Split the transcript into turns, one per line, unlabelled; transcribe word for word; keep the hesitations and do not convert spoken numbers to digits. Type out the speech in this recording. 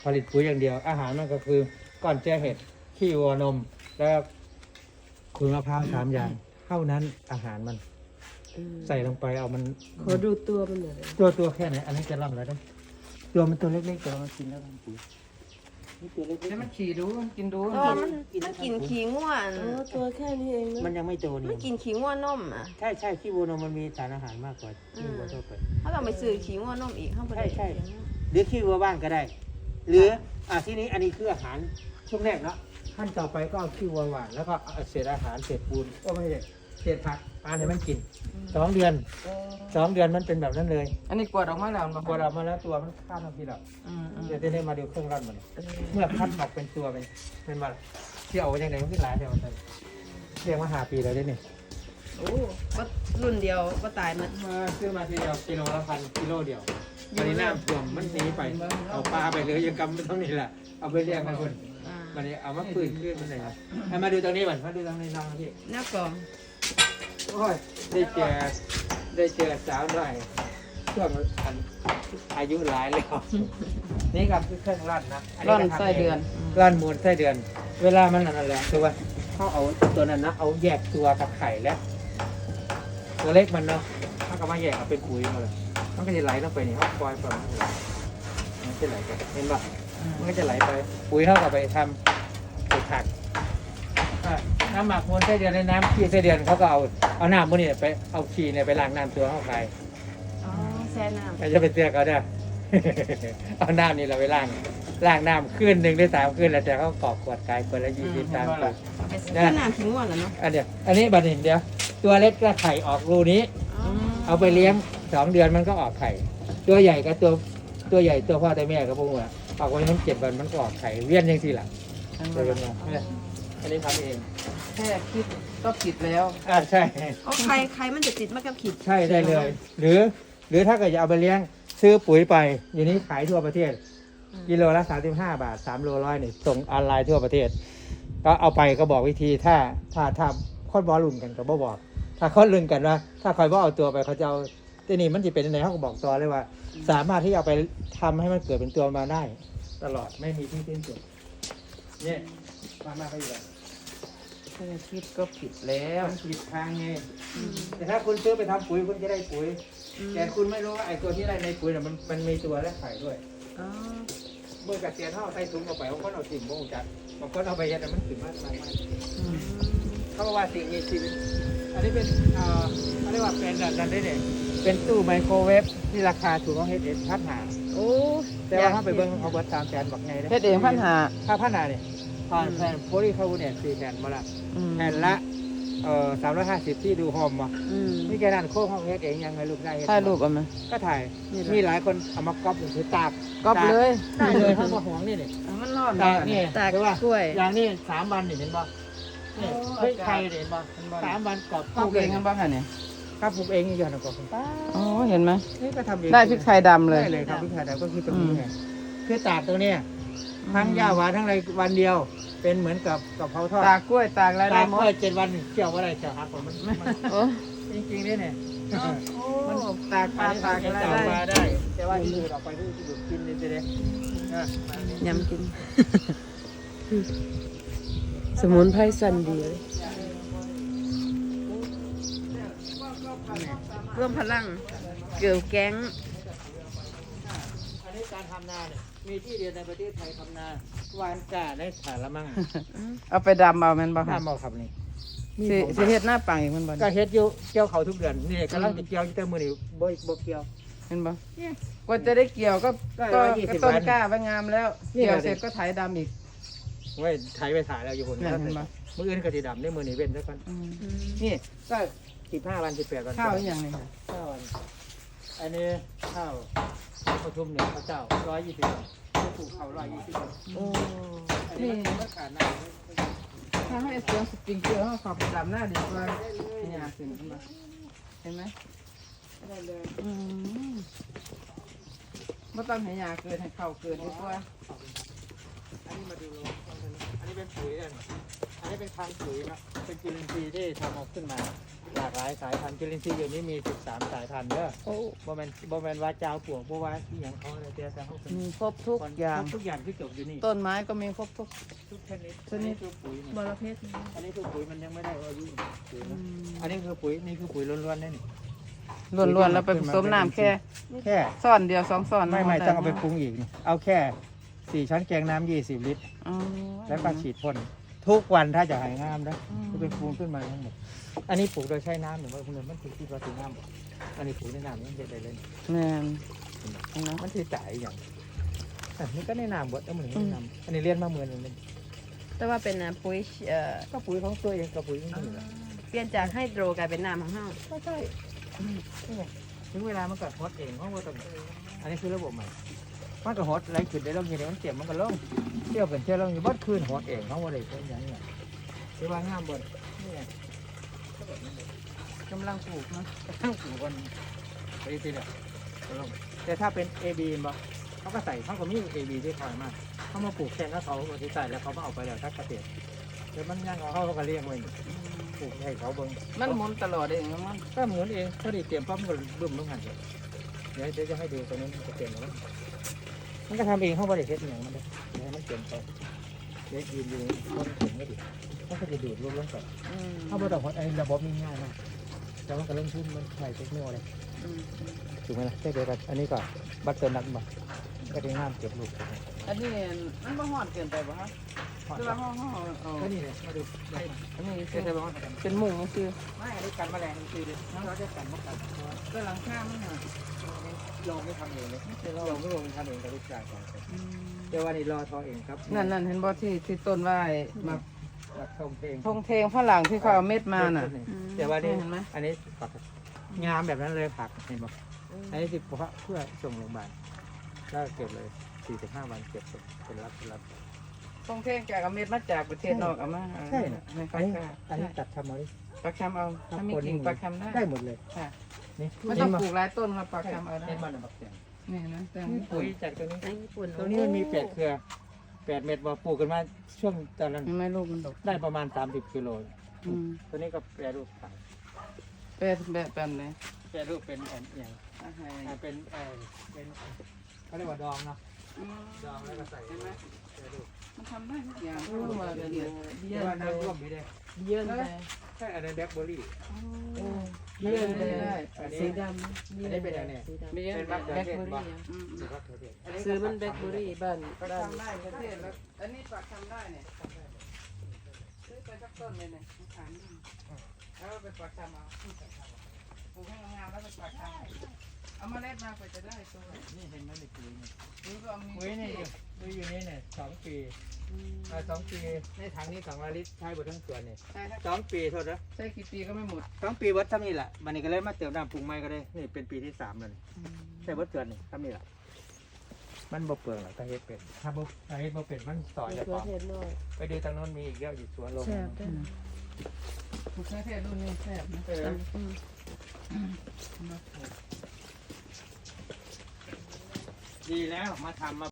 ผลิตปุ๋ยอย่างเดียวอาหารมันก็คือก้อนแจ้เห็ดขี้วัวนมแล้วขุยมะพร้าวสามอย่างเท่านั้นอาหารมันใส่ลงไปเอามัน
ขอดูตัวมันหน่อย
ตัวตัวแค่ไหนอันนี้จะร่ำแล้วได้ตัวมันตัวเล็กๆตัวมันกินแล้วมันปุ๋ยนี่ตัวเล็ก
แล้วมันขี่ดูมันกินดู
เออมันมันกินขี้ง่วน
อ๋อตัวแค่นี้เอง
ๆ
นะ
มันยังไม่โต
มัน
นี่
กินขี้ง่วนนมอ่ะ
ใช่ใช่ขี้วัวนมมันมีสารอาหารมากกว่าขี้วัวทั่วไป
ถ้าเราไปซื้อขี้ง่วนนมอีกข้างบน
ใช่ใช่ หรือขี้วัวบ้างก็ได้ หรืออ่ะที่นี้อันนี้คืออาหารช่วงแรกเนาะขั้นต่อไปก็เอาขี้วัวหวานแล้วก็เอาเศษอาหารเศษปูนก็ไม่ใช่เศษผักปลาให้มันกินสองเดือนสองเดือนมันเป็นแบบนั้นเลย
อันนี้กวดออกมาแล้วมัน
พอเรามาแล้วตัวมันข้ามมาทีละ
อืมอืม
เดี๋ยวจะได้มาดูเครื่องร่อนมันเมื่อคัดออกเป็นตัวเป็นเป็นมาที่เอาไว้ยังไงมันขึ้นหลายเดียวมันเรียกว่าหาปีแล้วได้นี่
โอ้ก็รุ่นเดียวก็ตายมัน
มาซื้อมาทีเดียวกิโลละพันกิโลเดียวตอนนี้น้ำท่วมมันหนีไปเอาปลาไปเลยยังกำไม่ต้องนี่แหละเอาไปเลี้ยงกันคน
อ่า
มันนี้เอามาปืนขึ้นมันเลยครับให้มาดูตรงนี้ก่อนมาดูตรงนี้น้องพี่
หน้ากล่อง
โอ้ยได้เจอได้เจอสาวหน่อยช่วงอันอายุหลายแล้วนี่ก็คือเครื่องร่อนนะ
ร่อนไส้เดือน
ร่อนมูลไส้เดือน เวลามันนั่นแหละคือว่าเขาเอาตัวนั้นนะเอาแยกตัวกับไข่แล้วตัวเล็กมันเนาะเขาก็มาแยกเอาเป็นปุ๋ยมาเลยมันก็จะไหลลงไปนี่เขาปล่อยไปมันจะไหลไปเห็นปะมันก็จะไหลไปปุ๋ยเขาก็ไปทำไปผักอ่ะน้ำหมักมูลไส้เดือนในน้ำขี้ไส้เดือนเขาก็เอาเอาน้ำมูลนี่ไปเอาขี้เนี่ยไปล้างน้ำตัวเขาไป
อ๋อแช่น้ำ
ไม่จะไปเตือนเขาได้ เอาน้ำนี่เราไปล้างล้างน้ำขึ้นหนึ่งได้สามขึ้นแล้วแต่เขากรอกขวดขายคนละยี่สิบสามขวด
เป็นน้ำขี้ง่วนเหรอเนาะ
อันเดียวอันนี้บัดนี้เดี๋ยวตัวเล็กก็ไข่ออกรูนี้
อ๋อ
เอาไปเลี้ยงสองเดือนมันก็ออกไข่ ตัวใหญ่กับตัวตัวใหญ่ตัวพ่อตัวแม่กับพวกมันออกไว้มันเจ็ดวันมันก็ออกไข่เวียนยังสิล่ะเดี๋ยวกันมาเนี่ยอันนี้ทำเอง
แค่คิดก็ผิดแล้ว
อ่าใช่
เอาไข่ไข่มันจะติดมากับขีด
ใช่ได้เลย หรือ หรือถ้าเกิดจะเอาไปเลี้ยงซื้อปุ๋ยไปอยู่นี้ขายทั่วประเทศ กิโลละสามสิบห้าบาทสามโลร้อยนี่ส่งออนไลน์ทั่วประเทศ ก็เอาไปก็บอกวิธีถ้าถ้าถ้าคอนบอลลุ่นกันก็บ่บอก ถ้าคอนลุ่นกันว่าถ้าคอยว่าเอาตัวไปเขาจะเอาที่นี่มันจะเป็นยังไงเขาก็บอกตัวเลยว่า สามารถที่เอาไปทำให้มันเกิดเป็นตัวมาได้ ตลอดไม่มีที่สิ้นสุดเนี่ยมามาไปอยู่เลย
แค่คิดก็ผิดแล้ว
มันผิดทางไงแต่ถ้าคุณซื้อไปทำปุ๋ยคุณจะได้ปุ๋ย แต่คุณไม่รู้ว่าไอ้ตัวที่ได้ในปุ๋ยน่ะมันมันมีตัวและไข่ด้วย
อ๋อ
เมื่อกระเทียมเท่าใส่ถุงเอาไปบางคนเอาถิ่มบางจัดบางคนเอาไปยัดแต่มันขึ้นมากมายเขาบอกว่าสิ่งนี้สิ่งอันนี้เป็นเอ่อเขาเรียกว่าเป็นดันได้เนี่ยเป็นตู้ไมโครเวฟที่ราคาถูกต้องเฮ็ดเองพันหา
โอ้
แต่ว่าถ้าไปเบิ้งเขาเบิดสามแสนบอกไงเลย
เฮ็ดเองพันหา
ค่าพันหาเนี่ยผ่านแผ่นโพลีคาร์บอเนตสี่แผ่นมาละแผ่นละเอ่อสามร้อยห้าสิบที่ดูโฮมมา
อืม
นี่แกนั่นโค้งห้องเฮ็ดเองยังไงลูกได้เฮ็ด
ถ่ายรูปเอาไหม
ก็ถ่ายมีหลายคนเอามาก๊อปถือตาก
ก๊อปเลย
ตากเลยเขามาห่วงนี่นี่
อ่ะมันรอด
ตากนี่
ตาก
ใช่ป่ะ
กล้วย
อย่างนี้สามวันนี่เห็นป่ะนี่เฮ้ยใครเห็นป่ะสามวันกรอบ
ปลูกเองกันบ้างค่ะเนี่ย
ครับปลูกเองนี่อย่างนั้นก็ป้า
อ๋อเห็นไหม
นี่ก็ทำเอง
ได้พริกไทยดำเลย
ได้เลยครับพริกไทยดำก็คือตรงนี้ไงคือตากตรงเนี้ยทั้งหญ้าหวานทั้งอะไรวันเดียว เป็นเหมือนกับกับเผาทอด
ตากกล้วยตากอะไรได้
ตาก
หม
เมื่
ด
อเจ็ดวันเกี่ยวอะไรเกี่ยวหักผมมันมัน
โอ้
จริงๆนี่เนี่ย
มันตากปลาตากอะไร
ตากปลา
ได้
ได้ แต่ว่าที่ดูดออกไปที่ดูดกินเลยจะได้อ่ะมานี่
ยำกิน
สมุนไพรสันดีเลย
ร่วมพลังเกี่ยวแก๊ง
อันนี้การทำนาเนี่ยมีที่เดียวในประเทศไทยทำนาวานกาได้สารละมั่ง
เอาไปดำเอาแมันบ่ค่ะ
ห้ามเอาครับนี่
สิสิเฮ็ดหน้าปังอีกมันบ่
ก็เฮ็ดอยู่เกี่ยวเขาทุกเดือนนี่กำลังจะเกี่ยวอยู่แต่มือนี่บ่บ่เกี่ยว
เห็นบ่กว่าจะได้เกี่ยวก็
ก็
ก็
ร้อยยี่สิบ
ก็ต้น
วัน
กล้าไว้งามแล้ว
นี่
เกี่ยว
แหละ
เสร็จก็ไถดำอีก
ไว้ไถไปถ่ายแล้วอยู่คน
เนี่ยเห็นปะ
มืออื่นก็สิดำได้มือนี่เว้นซะก่อน
อืม
นี่ก็สิบห้าวันสิบแปดวัน
ข้าวอีกอย่างหนึงค่ะ
ข้าววันอันนี้ข้าวประชุมเนี่ยพระเจ้าร้อยยี่สิบวันปลูกข้าวร้อยยี่สิบวัน
โอ้
อันนี้มันก็ขาดน้ำ
ถ้าให้เสียงสปริงเกอร์เขาขับดำหน้าดีกว่าเนี่ยขึ้นมาเห็นไหม
ได้เลย
อืมไม่ต้องให้ยาเกินให้เข้าเกินดีกว่า
อันนี้มาดูโลอันนี้เป็นปุ๋ยอันอันนี่เป็นพันธุ์ปุ๋ยนะเป็นจุลินทรีย์ที่ทำออกขึ้นมาหลากหลายสายพันธุ์จุลินทรีย์อยู่นี้มีสิบสามสายพันธุ์เด้อ
โอ้
บ่แม่นบ่แม่นว่าเจ้าปลวกบ่ว่าที่หยังเขาเลยแต่แต่เขาเป็น
มีครบทุกอย่าง
ทุกอย่างที่จบอยู่นี่
ต้นไม้ก็มีครบทุก
ทุกชนิด
ชนิด
คือปุ๋ย
บ
นี่
รเพชร
อันนี้คือปุ๋ยมันยังไม่ได้อายุปุ๋ยนะอันนี้คือปุ๋ยนี่คือปุ๋ยล้วนๆนี่
ล้วนๆแล้วไปผสมน้ำแค่
แค่
ซ่อนเดียวสองซ่อน
ไม่ไม่
ด้
ต้องเอาไปปรุงอีกนี่เอาแค่สี่ช้อนแกงน้ำยี่สิบลิตร
อ๋อ
แล้วก็ฉีดพ่นทุกวันถ้าจะหายงามนะจะเป็นปูนขึ้นมาทั้งหมดอันนี้ปลูกโดยใช้น้ำหรือว่าพวกนั้นมันคือที่เราถึงน้ำอันนี้ปลูกในน้ำมันจะได้เลย
แม่น
มันที่จ่ายอย่างอันนี้ก็ในน้ำบดแล้วเหมือนในน้ำอันนี้เลี้ยนมาเหมือนนึง
แต่ว่าเป็นอ่ะปุ๋ยเอ่อ
ก็ปุ๋ยของตัวเองกับปุ๋ยของคนอื่น
เปลี่ยนจากไฮโดรกลายเป็นน้ำของเฮา
ก็ใช่ถึงเวลามันก็ฮอตเองเพราะว่าต้องอันนี้คือระบบใหม่มันก็ฮอตไรขึ้นได้ลงอย่างเดียวมันเจ็บมันก็ลงเที่ยวเป็นเที่ยวลงอยู่บ้านคืนฮอตเองเขาว่าอะไรเป็นอย่างนี้คือว่างามบนนี่
กำลังปลูกนะ
ตั้งปลูกกันไปทีเดียวก็ลงแต่ถ้าเป็น เอ บี บ่เขาก็ใส่เขาก็มี เอ บี ที่คอยมากเขามาปลูกแทนแล้วเขาบริใส่แล้วเขามาเอาไปแล้วทักเกษตรแต่มันยังเอาเขาก็เลี้ยงไว้ปลูกให้เขาเบิ่ง
มันหมุนตลอดเองมัน
ก็หมุนเองพอดีเตรียมปั๊บมันก็บึ้มลงหันเลยเดี๋ยวเดี๋ยวจะให้ดูตรงนี้มันจะเตรียมแล้วมันก็ทำเองเขาบริเทศอย่างมันเลยเดี๋ยวให้มันเตรียมไปเดี๋ยวยืนอยู่ต้นถึงไม่ดิมันก็จะดูดรวมลงก่อนเขาบอกว่าไอ้ระบบนี้ง่ายมากแต่ว่าก็เริ่มขึ้นมันใส่เทคโนโลยีถูกไหมล่ะใช่เดียวกันอันนี้ก็บัตเตอร์นัทบ่ก็ได้งามเก็บลูก
อันนี้มันบ่ฮอดเกินไปบ่ฮะคือว่าห่อห่อเอา
ก็นี่เลยมาดู
อันนี้
เดี๋ยวจะบอกว่า
เป็นหมูคือ
ไม่อันนี้กันแมลงคือเราจะกันมกัน
ก็หลังคามันน่ะ
ลงไม่ทำเองเลยลงก็ลงทำเองกับลูกชายของเดี๋ยววันนี้รอทอเองครับ
นั่นนั่นเห็นบ่ที่ที่ต้นไว้มา
มาทงเพลง
ทงเทงฝรั่งที่เขาเอาเม็ดมาน่ะ
เดี๋ยววันนี้
เห็นไหม
อันนี้ปักงามแบบนั้นเลยผักเห็นบ่อันนี้สิบเพื่อส่งโรงพยาบาลแล้วเก็บเลยสี่สิบห้าวันเก็บเป็นรับเป็นรับ
ทงเทงแกเอาเม็ดมาจากประเทศนอกเอามา
ใช่นะ
ให้
อั
เขา
นนี้
ค่ะ
อันนี้ตัดทำเอาดิ
ปลาคำเอาถ้ามีกิ่งปลาคำได้
ได้หมดเลย
ค่ะ
นี่
ไม่ต้องปลูกหลายต้นมาปลาคำเอาได้
เห็นมันแบบเสียง
นี่นะแต่
นี่ปุ๋ยจากตัวนี้
ในญี่ปุ่น
ตรงนี้มันมีแปดเครือแปดเม็ดว่าปลูกกันมาช่วงตอนนั้น
ยังไม่ลูกมันดก
ได้ประมาณสามสิบกิโล
อืม
ตัวนี้ก็แปรรูปขาย
แบบแบบแบบไหน
แปรรูปเป็นแอนอย่าง
อาหาร
อ่าเป็นเออเป็นเขาเรียกว่าดองเนาะดองแล้วก็ใส่
เห็นไหม
แปรรูป
มันทำได้ทุกอย่างรู้มาละเอียด
เดี๋ยวว่าน้ำร่วมไม่ได้
เยี่ยมเลย
ใช่อันนั้นแบล็คเบอร์รี่
เยี่ยมเลยได้
อันนี้
สีดำ
อันนี้เป็นอะไรเนี่ย
สีดำ
มีแบล็คเบอร์รี่
อืมอืมครับเดี๋ยวอันนี้
ซื้อมันแบล็คเบอร์รี่บ้าน
ปลา
บ้าน
คำได้ประเทศแล้วอันนี้ปลาคำได้เนี่ยซื้อไปสักต้นเลยเนี่ยขายนี่แล้วไปปลาคำเอาปลูกให้งามๆแล้วไปปลาคำเอาเมล็ดมาไปจะได้ตัว
นี่เห็นไหมในปุ๋ยนี่
นี่ก็มี
ปุ๋ยนี่อยู่ปุ๋ยอยู่นี่เนี่ยสองปีอ่าสองปีในถังนี้สองร้อยลิตรใช้หมดทั้งสวนเนี่ย
ใช่ครับ
สองปีโทษนะ
ใช่กี่ปีก็ไม่หมด
สองปีวัดทำนี่แหละมันนี่ก็เลยมาเติมน้ำปรุงใหม่ก็ได้นี่เป็นปีที่สามเลยใช่วัดเกินนี่ทำนี่แหละมันบ่เปลืองหรอกถ้าเฮ็ดเป็นถ้าบ่ถ้าเฮ็ดบ่เป็นมันต่อ
มะ
จะ
เขื
ต่
อ
อ
เทศน้อย
ไปดูทางโน้นมีอีกเยอะอยู่สวนลง
แซ่บด้วย
มะเขือเทศรุ่นนี้แซ่บนะ
เออ
อืม
ดีแล้วมาทำมา